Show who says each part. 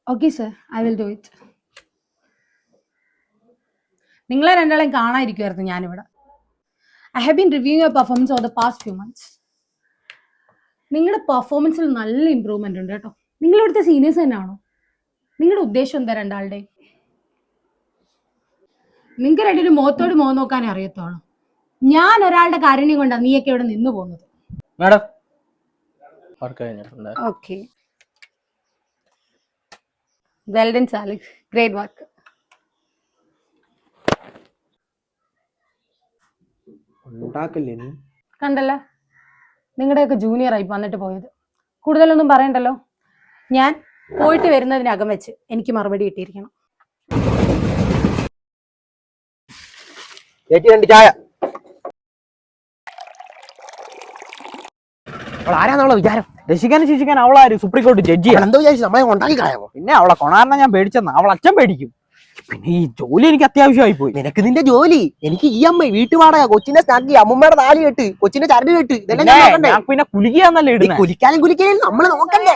Speaker 1: Okay, sir. I will do it. നിങ്ങളെ രണ്ടാളെയും കാണാതിരിക്കുമായിരുന്നു ഞാനിവിടെ. I have been reviewing your performance over the past few months. നിങ്ങളുടെ പെർഫോമൻസിൽ നല്ല improvement ഉണ്ട് കേട്ടോ. നിങ്ങൾ ഇവിടുത്തെ സീനിയേഴ്സ് തന്നെയാണോ? നിങ്ങളുടെ ഉദ്ദേശം എന്താ രണ്ടാളുടെ? നിങ്ങൾക്ക് രണ്ടൊരു മുഖത്തോട് മുഖം നോക്കാനേ അറിയത്തുള്ളൂ. ഞാൻ ഒരാളുടെ കാരുണ്യം കൊണ്ടാണ് നീയൊക്കെ ഇവിടെ നിന്ന് പോകുന്നത്.
Speaker 2: Madam
Speaker 1: okay. Well done, Alex. Great work. കണ്ടല്ലോ, നിങ്ങളുടെയൊക്കെ ജൂനിയർ ആയി വന്നിട്ട് പോയത്. കൂടുതലൊന്നും പറയണ്ടല്ലോ. ഞാൻ പോയിട്ട് വരുന്നതിനകം വെച്ച് എനിക്ക് മറുപടി കിട്ടിയിരിക്കണം.
Speaker 3: ചായ ആരാന്നുള്ള വിചാരം?
Speaker 2: രക്ഷിക്കാനും ശിക്ഷിക്കാൻ അവളാരും സുപ്രീം കോടതി ജഡ്ജി
Speaker 3: എന്തോ വിചാരിച്ചു നമ്മളെ ഉണ്ടാക്കി കളയാമോ?
Speaker 2: പിന്നെ അവളെ കൊണാറിനെ ഞാൻ പേടിച്ചെന്ന അവൾ അച്ഛൻ പേടിക്കും. പിന്നെ ഈ ജോലി എനിക്ക് അത്യാവശ്യമായി പോയി.
Speaker 3: നിനക്ക് നിന്റെ ജോലി, എനിക്ക് EMI, വീട്ടുവാടക, കൊച്ചിന്റെ സ്നാക്കി, അമ്മൂമ്മയുടെ താലി കെട്ട്, കൊച്ചിന്റെ ചരട് കെട്ട്, ഇതെല്ലാം
Speaker 2: പിന്നെ കുലിക്കാന്നല്ലേ ഇടുന്നത്.
Speaker 3: കുലിക്കാനും നമ്മള് നോക്കണ്ടേ?